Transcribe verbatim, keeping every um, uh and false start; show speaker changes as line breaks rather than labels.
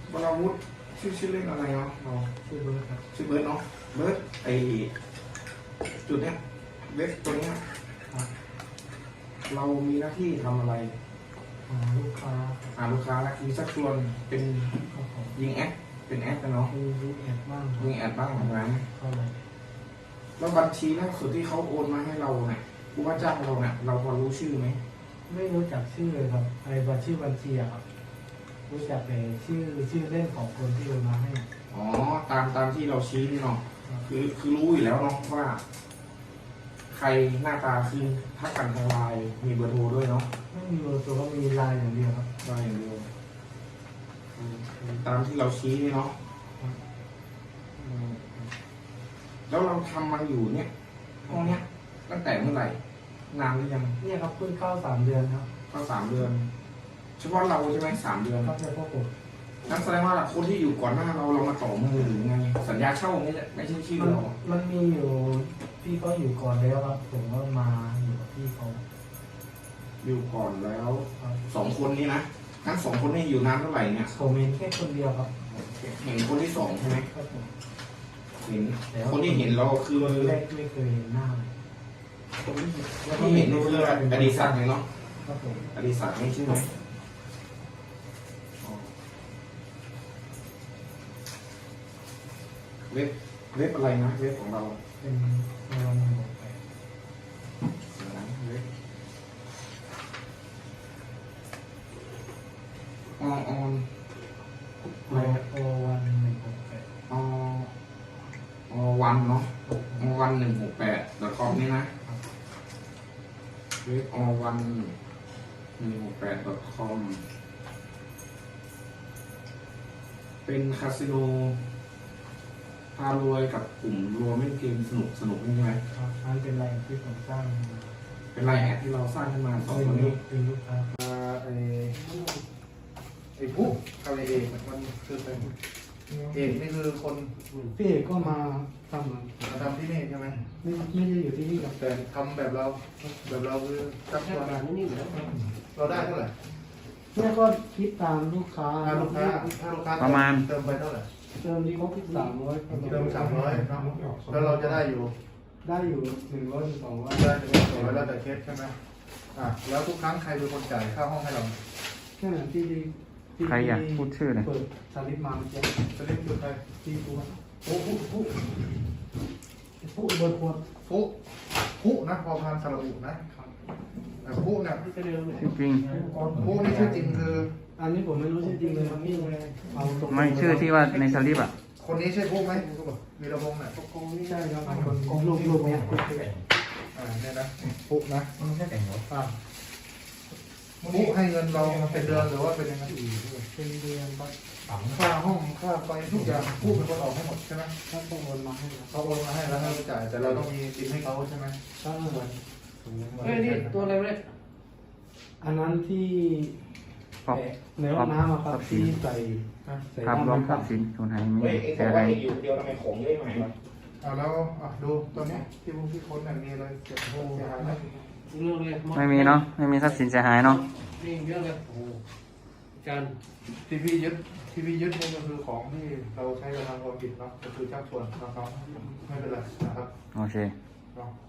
วราวุธชื่อชื่อเล่นอะไรเนาะเราชื่อเบิร์ดครับชื่อเบิร์ดเนาะเบิร์ดไอจุดเนี้ยเว็บตัวเนี้ยเรามีหน้าที่ทำอะไรหาลูกค้าหาลูกค้าและมีสักชวนเป็นยิงแอดเป็นแอดกันเนาะยิงแอดบ้างยิงแอดบ้างอะไรนะแล้วบัญชีล่าสุดที่เขาโอนมาให้เราเนี่ยผู้ว่าจ้างเราเนี่ยเราพอรู้ชื่อไหม
ไม่รู้จักชื่อเลยครับไอ้บัญชีบัญชีอะครับรู้จักแต่ชื่อชื่อเล่นของคนที่โอนมาให้
อ๋อตามตามที่เราชี้นี่เนาะคือคือรู้อยู่แล้วเนาะว่าใครหน้าตาคือทักกันทางไลน์มีเบอร์โทรด้วยเนาะ
ไม่มีเบอร์โทรก็มีไลน์อย่างเดียวครับ
ไลน์อย่างเดียวตามที่เราชี้นี่เนาะแล้วเราทำมันอยู่เนี่ยห้องเนี้ยตั้งแต่เมื่อไหร่นานหรือยัง
เนี่ยครับเพิ่งเข้าสามเดือนครับ
เข้าสามเดือนเฉพาะเราใช่ไหมสามเดือน
ครับเฉพาะผม
นั่นแสดงว่าคนที่อยู่ก่อนหน้าเราเรามาต่อมือหรือไงสัญญาเช่าไม่ใช่ไม่ใช่ชื่อเรา
มันมีอยู่พี่เขาอยู่ก่อนแล้วครับผมก็มาอยู่กับพี่เขา
อยู่ก่อนแล้วสองคนนี้นะทั้งสองคนนี้อยู่นานเท่าไหร่เนี่ย
ผมเห็นแค่คนเดียวครับ
เห็นคนที่สองใช่ไหมเห็นคนที่เห็นเราคือ
แรกไม่เคยเห็นหน้า
คนที่เห็นนี่คืออดีศักดิ์เนาะอดีศักดิ์นี่ใช่ไหมเว็บเว็บอะไรนะเว็บของเรา
เป็นเว็บหนึ่งหกแปด
เว็บออนออน
โอโอวันหนึ่งหกแปด
ออวันเนาะอวันหนึ่งหกแปดดอทคอมนี่นะเว็บอวันหนึ่งหกแปดดอทคอมเป็นคาสิโนพารวยกับกลุ่มรวมเล่นเกมสนุกสนุกใช่ไหม
ครับนั่นเป็นไลน์ที่ผมสร้าง
เป็นไลน์แอดที่เราสร้างขึ้นมาสองคนนี้
เป็นลูกค้า
ไอ้ไอ้ผู้กับไอ้เอกมันคือเป็นเอกนี่คือคน
พี่เอกก็มาทำมา
ทำที่นี่ใช่ไหม
ไม่ไม่ได้อยู่ที่นี่ครับ
แต่ทำแบบเราแบบเราคือจับตัวการนี่แล้วเราได้เท่าไหร่
เนี่ยก็คิดตามลูกค้า
ถ้าลูกค้าถ้าลูกค้า
ประมาณ
เติมไปเท่าไหร่
เติมที่เขาคิดสามร้อย
เติมสามร้อยแล้วเราจะได้อยู่
ได้อยู่หนึ่งร้อยสองร้อย
ได้หนึ่งร้อยสองร้อยแล้วแต่เคสใช่ไหมอ่ะแล้วทุกครั้งใครเป็นคนจ่ายค่าห้องให้เรา
แค่นั้นที่
ใครอยากพูดชื่อเลย
เปิดสลิปมาเมื่อกี้
สลิปคือใคร
ที่ตัว
ผู้ผู้ผู้
ผู้เบอร์ควร
ผู้ผู้นะพอพานสระอุนะผู้เนี่ย
จริง
ผู้นี่ชื่อจริงคือ
อันนี้ผมไม่รู้ชื่อจริงเลยครับพี่
เอาไม่ชื่อที่ว่าในสลิปอ่ะ
คนนี้ใช่ผู้ไหมมีระพงเนี่ย
ใช่ครับคนลูกลูกเนี่ย
อ่าเนี่ยนะผู้นะ
ไม่ใช่แต่งรถป่ะ
ผู้ให้เงินเราเป็นเดือนหรือว่าเป็นยังไง
เป็นเดือน
ค่าห้องค่าไฟทุกอย่างผู้เป็นคนออกให้หมดใช่ไหม
ถ้าต้องโอนมาให้
เขาโอนมาให้แล้วให้เราจ่ายแต่เราต้องมีบินให้เขาใช่ไหม
ใช่
เฮ้ยนี่ตัวอะไรเนี่ย
อันนั้นที่ในห้องน้ำครับที่ใส่
ภาพรวมทรัพย์สินส่วนไหนมี
แต่อะไรอยู่เดียวทำไมของเยอะไหมอ่าแล้วอ่ะดูตัวนี้ที่พวกที่คนเนี่ยมีอะไรเสียหายเสียหายไหม
ไม่มีเนาะไม่มีทรัพย์สินเสียหายเนาะ
นี่เยอะเลยโอ้จาน
ทีพียึดทีพียึดนี่ก็คือของที่เราใช้กระทำความผิดเนาะก็คือชักชวนนะครับไม่เป็นไรนะครับ
โอเค
เนาะ